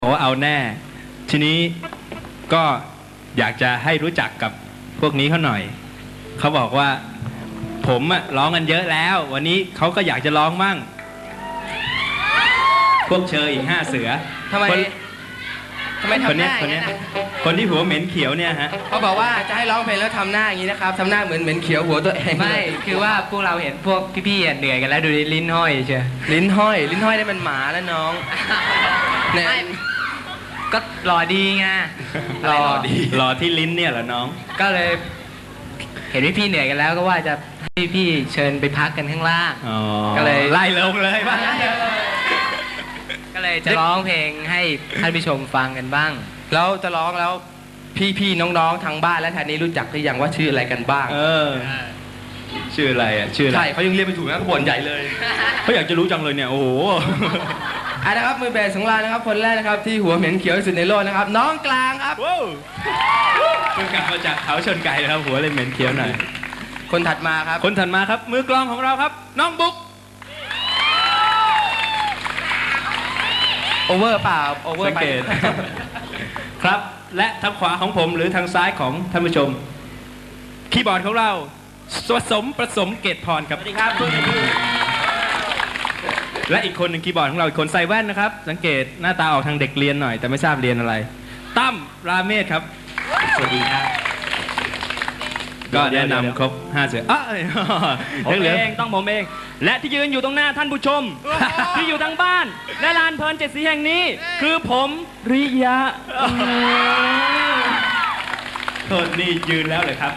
โอ้เอาแน่ทีนี้ก็อยากจะให้รู้จักกับพวกนี้เขาหน่อยเขาบอกว่าผมอะร้องกันเยอะแล้ววันนี้เขาก็อยากจะร้องมั่งพวกเชยอีก5 เสือทำไมทำหน้าอย่างนี้นะคนที่หัวเหม็นเขียวเนี่ยฮะเขาบอกว่าจะให้ร้องเพลงแล้วทำหน้าอย่างนี้นะครับทำหน้าเหมือนเขียวหัวตัวเองไม่คือว่าพวกเราเห็นพวกพี่ๆเหนื่อยกันแล้วดูลิ้นห้อยเชียวลิ้นห้อยได้เป็นหมาแล้วน้องเนี่ยก็หล่อดีไงหล่อที่ลิ้นเนี่ยเหรอน้องก็เลยเห็นพี่ๆเหนื่อยกันแล้วก็ว่าจะให้พี่เชิญไปพักกันข้างล่างก็เลยไล่ลงเลยบ้างก็เลยจะร้องเพลงให้ท่านผู้ชมฟังกันบ้างแล้วจะร้องแล้วพี่ๆน้องๆทางบ้านและแทนนี้รู้จักหรือยังว่าชื่ออะไรกันบ้างชื่ออะไรอ่ะชื่ออะไรใช่เขายังเรียกไม่ถูกนะเขาบ่นใหญ่เลยเขาอยากจะรู้จังเลยเนี่ยโอ้โหนะครับมือเบสของเรานะครับคนแรกนะครับที่หัวเหม็นเขียวที่สุดในโลกนะครับน้องกลางครับเพิ่งกลับมาจากเขาชนไก่นะครับหัวเลยเหม็นเขียวหน่อยคนถัดมาครับมือกลองของเราครับน้องบุ๊กโอเวอร์เปล่าโอเวอร์ไปครับและทางขวาของผมหรือทางซ้ายของท่านผู้ชมคีย์บอร์ดของเราประสมเกตพรครับสวัสดีครับและอีกคนหนึ่งคีย์บอร์ดของเราอีกคนใส่แว่นนะครับสังเกตหน้าตาออกทางเด็กเรียนหน่อยแต่ไม่ทราบเรียนอะไรตั้มราเมศครับสวัสดีครับก็แนะนำครบ5 เสือผมเองต้องผมเองและที่ยืนอยู่ตรงหน้าท่านผู้ชมที่อยู่ทางบ้านและลานเพลิน7 สีแห่งนี้คือผมริยะโทษนี่ยืนแล้วเลยครับ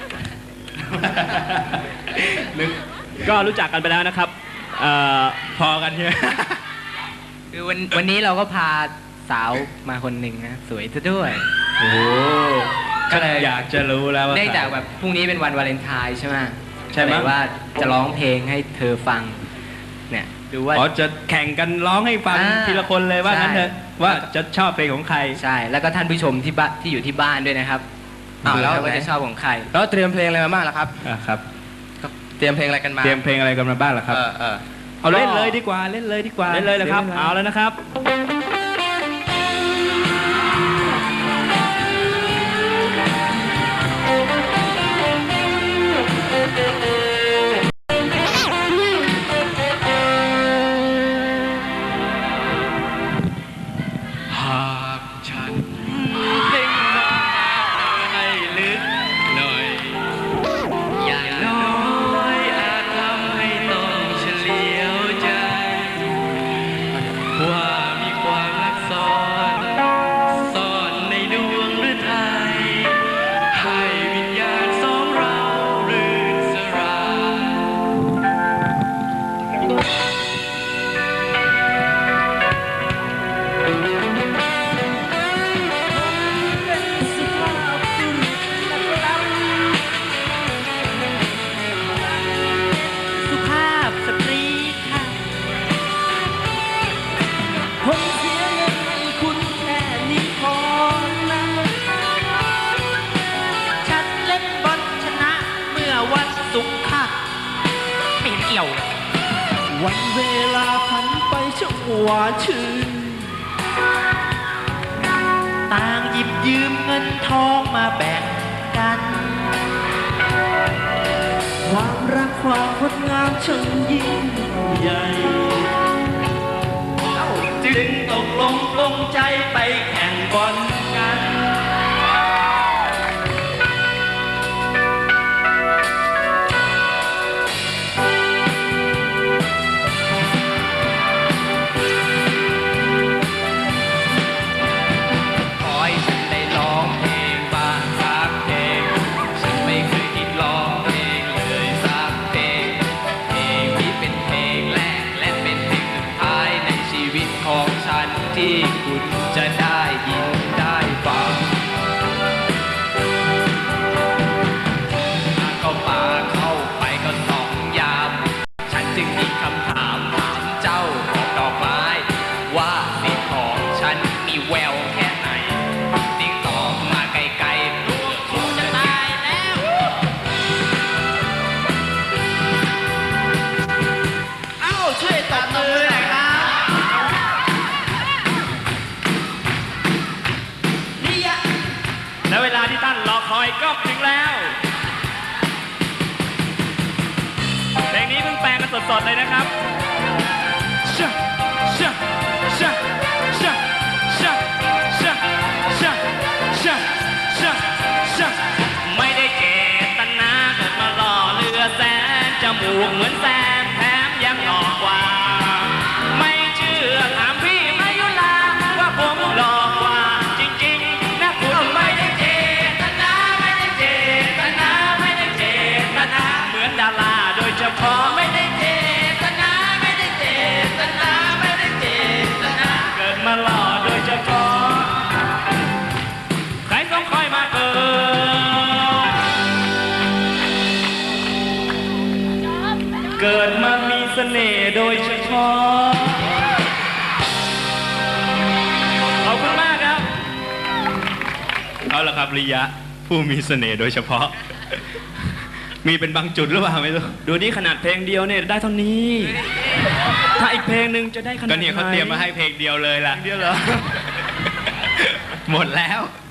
ก็รู้จักกันไปแล้วนะครับพอกันใช่ไหมคือวันนี้เราก็พาสาวมาคนหนึ่งนะสวยซะด้วยโอ้ก็เลยอยากจะรู้แล้วว่าได้จากแบบพรุ่งนี้เป็นวันวาเลนไทน์ใช่ไหมใช่ไหมว่าจะร้องเพลงให้เธอฟังเนี่ยดูว่าจะแข่งกันร้องให้ฟังทีละคนเลยว่างั้นเถอะว่าจะชอบเพลงของใครใช่แล้วก็ท่านผู้ชมที่อยู่ที่บ้านด้วยนะครับแล้วว่าจะชอบของใครแล้วเตรียมเพลงอะไรมาบ้างล่ะครับครับเตรียมเพลงอะไรกันมาเตรียมเพลงอะไรกันมาบ้างล่ะครับเอาเล่นเลยดีกว่าเล่นเลยนะครับเอาแล้วนะครับวันเวลาผ่านไปช่างหวานชื่นต่างหยิบยืมเงินทองมาแบ่งกันความรักความงดงามช่างยิ่งใหญ่จึงตกลงใจไปแข่งบอลกันที่คุณจะได้ยินได้ฟังก็ป่าเข้าไปก็2 ยามฉันจึงมีคำถามเจ้าของดอกไม้ว่าสิ่งของฉันมีแววแค่ไหนยิ่งตอบมาไกลๆตัวคุณจะตายแล้วช่วยตบมือหน่อยครับก็ถึงแล้ว เพลงนี้เพิ่งแปลงกันสดๆเลยนะครับชะชะชะชะชะชะชะชะชะชะไม่ได้เจตนาเกิดมาหล่อเรือแสนจมูกเหมือนแซมแถมยังหล่อกว่า ไม่เชื่อถามพี่มายุลาว่าผมหล่อกว่าจริงๆนะคุณไม่ได้เจตนาไม่ได้เจตนาไม่ได้เจตนาเหมือนดาราโดยเฉพาะไม่ได้เจตนาไม่ได้เจตนาไม่ได้เจตนาเกิดมาหล่อโดยเฉพาะใครต้องคอยมาเกิด เกิดมามีเสน่ห์โดยเฉพาะ ขอบคุณมากครับเอาละครับริยะผู้มีเสน่ห์โดยเฉพาะ มีเป็นบางจุดหรือเปล่าไม่รู้ดูนี่ขนาดเพลงเดียวเนี่ยได้เท่านี้ ถ้าอีกเพลงหนึ่งจะได้ขนาดก็ไหนเนี่ยเขาเตรียมมาให้เพลงเดียวเลยล่ะเดียวเหรอหมดแล้ว